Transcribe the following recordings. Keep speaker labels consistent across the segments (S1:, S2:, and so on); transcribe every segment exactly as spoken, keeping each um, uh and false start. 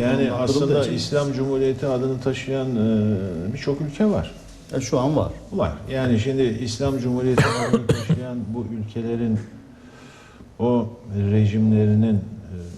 S1: Yani aslında
S2: için.
S1: İslam Cumhuriyeti adını taşıyan e, birçok ülke var.
S2: E, şu an var.
S1: Var. Yani şimdi İslam Cumhuriyeti adını taşıyan bu ülkelerin o rejimlerinin e,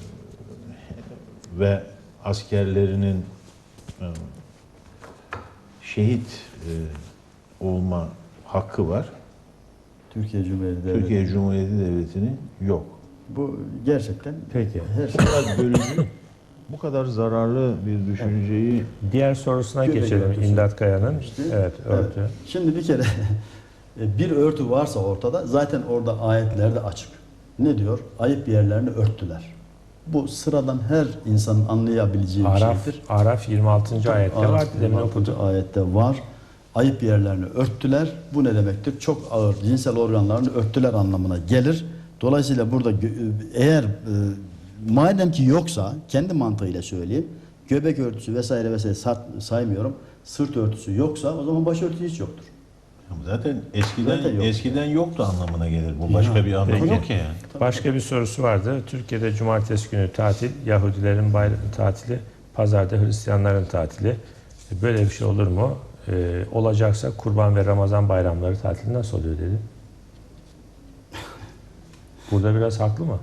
S1: ve askerlerinin e, şehit e, olma hakkı var.
S2: Türkiye Cumhuriyeti Devleti.
S1: Türkiye Cumhuriyeti Devleti'nin yok.
S2: Bu gerçekten
S3: Peki.
S2: her
S1: Bu
S2: şey.
S1: kadar bölücü, bu kadar zararlı bir düşünceyi
S3: Diğer sorusuna
S2: Göbek
S3: geçelim.
S2: örtüsü.
S3: İmdat Kaya'nın.
S2: İşte,
S3: Evet, örtü.
S2: evet. Şimdi bir kere bir örtü varsa ortada zaten orada ayetlerde açık. Ne diyor? Ayıp yerlerini örttüler. Bu sıradan her insanın anlayabileceği bir
S3: Araf,
S2: şeydir.
S3: Araf yirmi altıncı ayette
S2: Araf
S3: var. Demin
S2: yirmi altıncı
S3: okudum.
S2: ayette var. Ayıp yerlerini örttüler. Bu ne demektir? Çok ağır cinsel organlarını örttüler anlamına gelir. Dolayısıyla burada gö- eğer e, madem ki yoksa kendi mantığıyla söyleyeyim. Göbek örtüsü vesaire vesaire sa- saymıyorum. Sırt örtüsü yoksa o zaman başörtüsü hiç yoktur.
S1: zaten eskiden
S2: Zaten yok.
S1: eskiden yoktu anlamına gelir. Bu başka
S2: Ya,
S1: bir anlamı
S3: peki.
S1: yok ki yani.
S3: Başka bir sorusu vardı. Türkiye'de cumartesi günü tatil, Yahudilerin bayramı tatili, pazarda Hristiyanların tatili. Böyle bir şey olur mu? Ee, olacaksa Kurban ve Ramazan bayramları tatili nasıl oluyor dedi. Burada biraz haklı mı?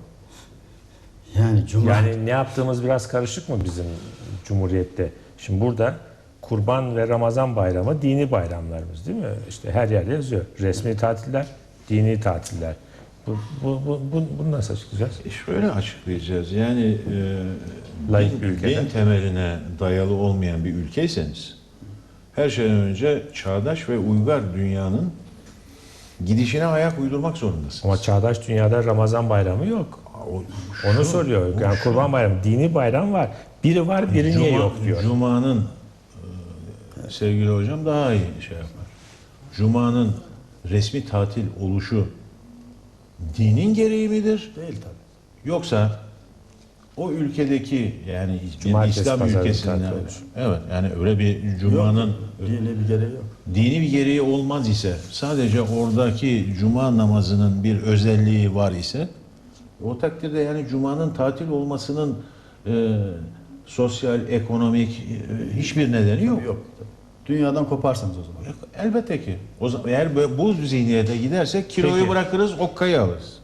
S2: Yani cuma
S3: Yani ne yaptığımız biraz karışık mı bizim Cumhuriyet'te? Şimdi burada Kurban ve Ramazan bayramı dini bayramlarımız değil mi? İşte her yerde yazıyor. Resmi tatiller, dini tatiller. Bu, bu, bu, bu, bunu nasıl açıklayacağız?
S1: E şöyle açıklayacağız. Yani e,
S3: Layık
S1: din,
S3: bir ülkede.
S1: din temeline dayalı olmayan bir ülkeyseniz her şeyden önce çağdaş ve uygar dünyanın gidişine ayak uydurmak zorundasınız.
S3: Ama çağdaş dünyada Ramazan bayramı yok.
S1: O,
S3: Onu
S1: şu-
S3: soruyor.
S1: bu
S3: Yani
S1: şu-
S3: Kurban bayramı, dini bayram var. Biri var, biri niye
S1: Cuma-
S3: yok diyor.
S1: Cuma'nın e, sevgili hocam daha iyi şey yapar. Cuma'nın resmi tatil oluşu dinin gereği midir?
S2: değil tabii.
S1: Yoksa o ülkedeki yani bir
S3: Cumartesi,
S1: İslam
S3: pazarı
S1: ülkesinde
S3: tatil olur.
S1: evet yani öyle bir Cuma'nın
S2: Yok, dini bir gereği yok.
S1: dini bir gereği olmaz ise sadece oradaki Cuma namazının bir özelliği var ise o takdirde yani Cuma'nın tatil olmasının e, sosyal, ekonomik e, hiçbir nedeni yok.
S2: Yok. Dünyadan koparsanız o zaman.
S1: Elbette ki. O zaman eğer böyle bu zihniyete gidersek kiloyu
S3: Peki.
S1: bırakırız, okkayı alırız.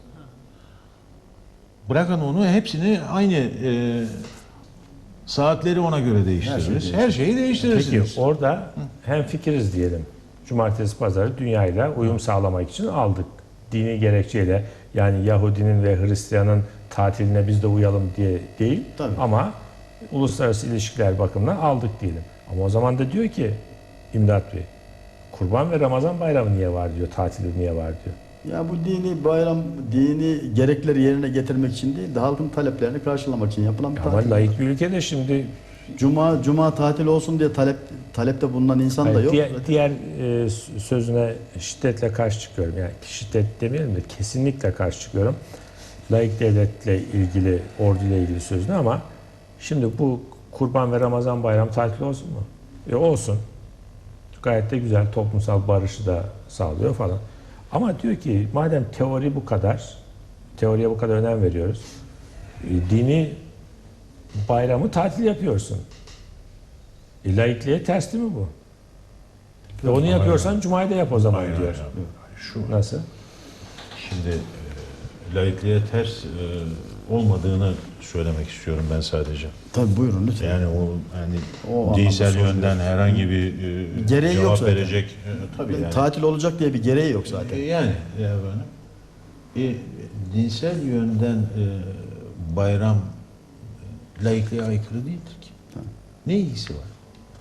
S1: Bırakın onu hepsini aynı e, saatleri ona göre değiştiririz. Her, şeyi değiştirirsiniz.
S3: Peki orada hem fikiriz diyelim. Cumartesi pazarı dünyayla uyum sağlamak için aldık. Dini gerekçeyle yani Yahudinin ve Hristiyanın tatiline biz de uyalım diye değil.
S2: Tabii.
S3: Ama uluslararası ilişkiler bakımından aldık diyelim. Ama o zaman da diyor ki İmdat Bey, Kurban ve Ramazan bayramı niye var diyor, tatili niye var diyor.
S2: Ya bu dini bayram, dini gerekleri yerine getirmek için değil de halkın taleplerini karşılamak için yapılan bir
S3: Ama
S2: tatil.
S3: laik bir ülkede şimdi
S2: Cuma cuma tatil olsun diye talep talepte bulunan insan da
S3: hayır,
S2: yok.
S3: diğer, diğer e, sözüne şiddetle karşı çıkıyorum. Yani şiddet demeyelim de kesinlikle karşı çıkıyorum. Laik devletle ilgili, orduyla ilgili sözüne ama şimdi bu Kurban ve Ramazan bayramı tatili olsun mu? E olsun. Gayet de güzel toplumsal barışı da sağlıyor falan. Ama diyor ki madem teori bu kadar, teoriye bu kadar önem veriyoruz. E, dini bayramı tatil yapıyorsun. E, laikliğe ters değil mi bu? E, onu yapıyorsan Cuma'yı da yap o zaman
S1: Hayır,
S3: diyor.
S1: hayır, hayır. Şu
S3: Nasıl?
S1: şimdi e, laikliğe ters e, olmadığını söylemek istiyorum ben sadece.
S2: Tabii buyurun lütfen.
S1: Yani o yani
S2: O
S1: dinsel
S2: anlamda
S1: yönden herhangi bir e,
S2: Gereği yok
S1: cevap
S2: zaten.
S1: verecek e, tabii yani.
S2: Tatil olacak diye bir gereği yok zaten.
S1: E, Yani ya efendim. E, dinsel yönden e, bayram e, laikliğe aykırı değildir ki. Ne ilgisi var?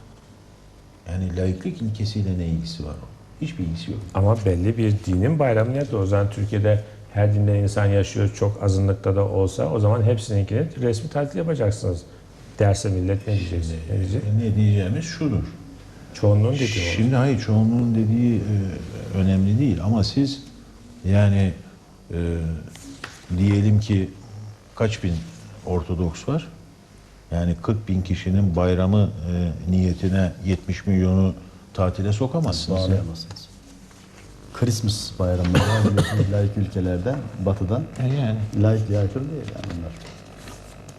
S1: Yani laiklik ilkesiyle ne ilgisi var? Hiçbir ilgisi yok.
S3: Ama belli bir dinin bayramı nerede? O zaman Türkiye'de her dinde insan yaşıyor, çok azınlıkta da olsa o zaman hepsininkini resmi tatil yapacaksınız. Derse millet ne diyeceksin? Ne diyecek?
S1: E, ne diyeceğimiz şudur.
S3: Çoğunluğun dediği o.
S1: Şimdi hayır çoğunluğun dediği e, önemli değil ama siz yani e, diyelim ki kaç bin Ortodoks var? Yani kırk bin kişinin bayramı e, niyetine yetmiş milyonu tatile sokamazsınız. ya.
S2: Bağlayamazsınız. Christmas bayramları var biliyorsunuz laik ülkelerde, batıda.
S1: E, yani.
S2: Laikliğe aykırı değil yani bunlar.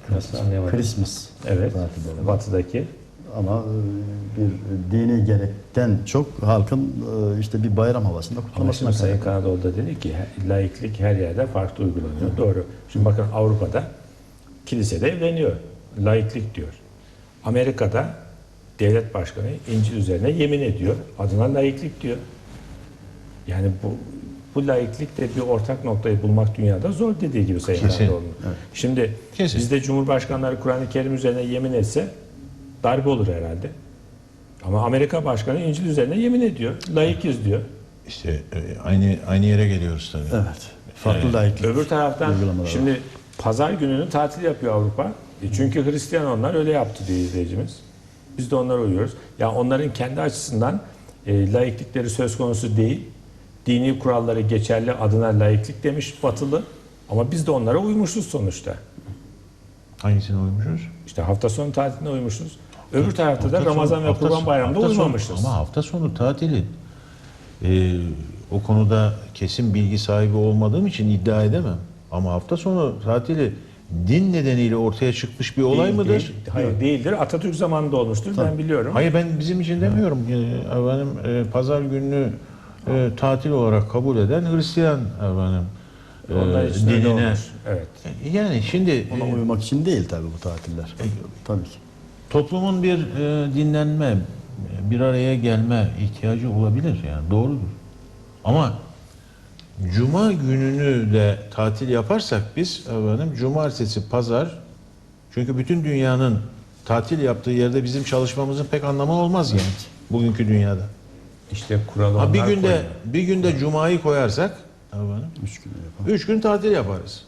S3: Nasıl anlayamadım?
S2: Christmas
S3: Evet.
S2: tatilleri var.
S3: Batıdaki.
S2: Ama e, bir dini gerekten çok halkın e, işte bir bayram havasında
S3: Ama
S2: kutlamasına
S3: şimdi Sayın
S2: kaynaklı.
S3: Kanadoğlu dedi ki he- laiklik her yerde farklı uygulanıyor. Doğru. Şimdi bakın Avrupa'da kilisede evleniyor. Laiklik diyor. Amerika'da devlet başkanı İncil üzerine yemin ediyor. Adına laiklik diyor. Yani bu bu laiklikte bir ortak noktayı bulmak dünyada zor dediği gibi Sayın
S1: Kesin.
S3: Kanadoğlu'nun. Şimdi
S1: Kesin.
S3: bizde Cumhurbaşkanları Kur'an-ı Kerim üzerine yemin etse darbe olur herhalde. Ama Amerika Başkanı İncil üzerine yemin ediyor. Laikiz diyor.
S1: İşte e, aynı aynı yere geliyoruz tabii.
S2: Evet. Farklı
S1: Evet.
S2: laiklik.
S3: Öbür taraftan
S2: uygulamaları
S3: şimdi pazar gününü tatil yapıyor Avrupa. E çünkü Hristiyan onlar öyle yaptı diyor izleyicimiz. Biz de onlara uyuyoruz. Ya onların kendi açısından e, laiklikleri söz konusu değil. Dini kuralları geçerli adına laiklik demiş Batılı. Ama biz de onlara uymuşuz sonuçta.
S1: Hangisine uymuşuz?
S3: İşte hafta sonu tatiline uymuşuz. Öbür tarafta da
S1: Hafta sonu-
S3: Ramazan ve
S1: hafta
S3: Kurban
S1: sonu-
S3: Bayramı'nda
S1: hafta sonu-
S3: uymamışız.
S1: Ama hafta sonu tatili e, o konuda kesin bilgi sahibi olmadığım için iddia edemem. Ama hafta sonu tatili din nedeniyle ortaya çıkmış bir olay
S3: Değil,
S1: mıdır?
S3: değil. Hayır değildir. Atatürk zamanında olmuştur. Ben biliyorum.
S1: Hayır, ben bizim için demiyorum. E, efendim e, pazar gününü e, tatil olarak kabul eden Hristiyan efendim e,
S3: Onlar için öyle
S1: dinine.
S3: olmuş. Evet.
S1: Yani şimdi
S2: Ona
S1: e,
S2: uymak için değil tabii bu tatiller. Tabii ki.
S1: toplumun bir e, dinlenme, bir araya gelme ihtiyacı olabilir, yani doğrudur. Ama Cuma gününü de tatil yaparsak biz efendim cumartesi, pazar, çünkü bütün dünyanın tatil yaptığı yerde bizim çalışmamızın pek anlamı olmaz yani bugünkü dünyada.
S3: İşte kuralı
S1: Ha, bir
S3: onlar
S1: günde
S3: koyuyor.
S1: bir günde cumayı koyarsak efendim,
S2: Üç gün yapalım.
S1: üç gün tatil yaparız.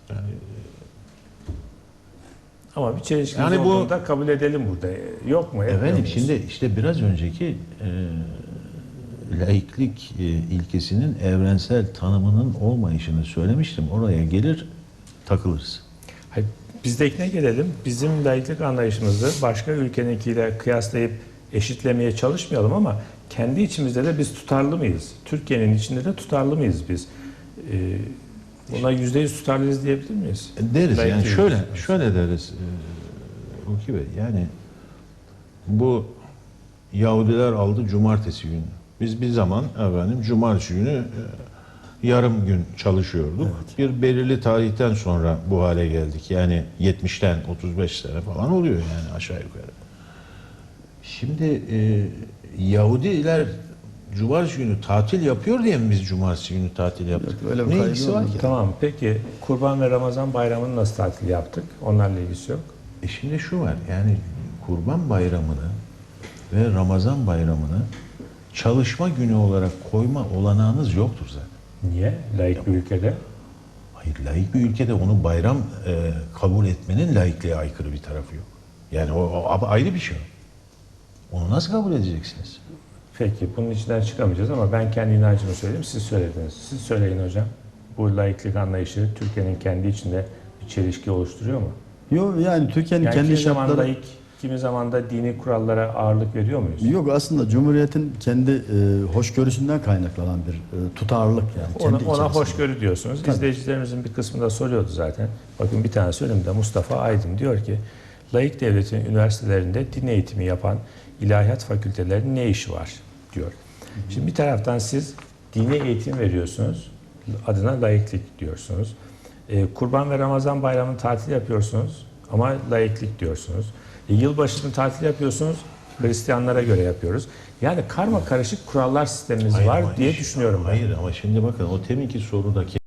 S3: Ama bir çelişki
S1: Yani bu-
S3: olduğunu da kabul edelim burada. Yok mu? Etmiyor
S1: Efendim
S3: muyuz?
S1: şimdi işte biraz önceki e, laiklik e, ilkesinin evrensel tanımının olmayışını söylemiştim. Oraya gelir takılırız.
S3: Hayır, bizdekine gelelim. Bizim laiklik anlayışımızı başka ülkeninkiyle kıyaslayıp eşitlemeye çalışmayalım ama kendi içimizde de biz tutarlı mıyız? Türkiye'nin içinde de tutarlı mıyız biz? Ee, buna yüzde yüz tutarlıyız diyebilir miyiz?
S1: Deriz yani
S3: Laiklik
S1: şöyle
S3: ilkesine.
S1: şöyle deriz. E, Hulki Bey, yani bu Yahudiler aldı cumartesi günü. Biz bir zaman efendim cumartesi günü e, yarım gün çalışıyorduk. Bir belirli tarihten sonra bu hale geldik. Yani yetmişten otuz beş sene falan oluyor yani aşağı yukarı. Şimdi e, Yahudiler cumartesi günü tatil yapıyor diye mi biz cumartesi günü tatil yaptık?
S2: Yok, öyle bir
S1: Ne
S2: kaydı
S1: ilgisi var
S2: olmadı.
S1: ki?
S3: Tamam. Peki Kurban ve Ramazan bayramını nasıl tatil yaptık? Onlarla ilgisi yok.
S1: E şimdi şu var, yani Kurban Bayramı'nı ve Ramazan Bayramı'nı çalışma günü olarak koyma olanağınız yoktur zaten.
S3: Niye? Laik bir ülkede.
S1: Hayır, laik bir ülkede onu bayram e, kabul etmenin laikliğe aykırı bir tarafı yok. Yani o, o ayrı bir şey. Onu nasıl kabul edeceksiniz?
S3: Peki bunun içinden çıkamayacağız ama ben kendi inancımı söyleyeyim. Siz söylediniz. Siz söyleyin hocam. Bu laiklik anlayışı Türkiye'nin kendi içinde bir çelişki oluşturuyor mu?
S2: Yok yani Türkiye'nin
S3: Yani
S2: kendi
S3: kimi zaman
S2: şartları...
S3: laik, kimi zaman da dini kurallara ağırlık veriyor muyuz?
S2: Yok, aslında Cumhuriyet'in kendi e, hoşgörüsünden kaynaklanan bir e, tutarlılık yani.
S3: Ona,
S2: kendi
S3: ona
S2: içerisinde.
S3: hoşgörü diyorsunuz.
S2: Tabii.
S3: İzleyicilerimizin bir kısmı da soruyordu zaten. Bakın bir tane önümde Mustafa Aydın diyor ki laik devletin üniversitelerinde din eğitimi yapan ilahiyat fakültelerinin ne işi var diyor. Şimdi bir taraftan siz dini eğitim veriyorsunuz. Adına laiklik diyorsunuz. Ee, Kurban ve Ramazan bayramını tatil yapıyorsunuz ama laiklik diyorsunuz. E, yılbaşını tatil yapıyorsunuz. Hristiyanlara göre yapıyoruz. Yani karma karışık kurallar sistemimiz
S1: Hayır
S3: var
S1: ama
S3: diye
S1: iş-
S3: düşünüyorum ben.
S1: Hayır ama şimdi bakın o teminki sorudaki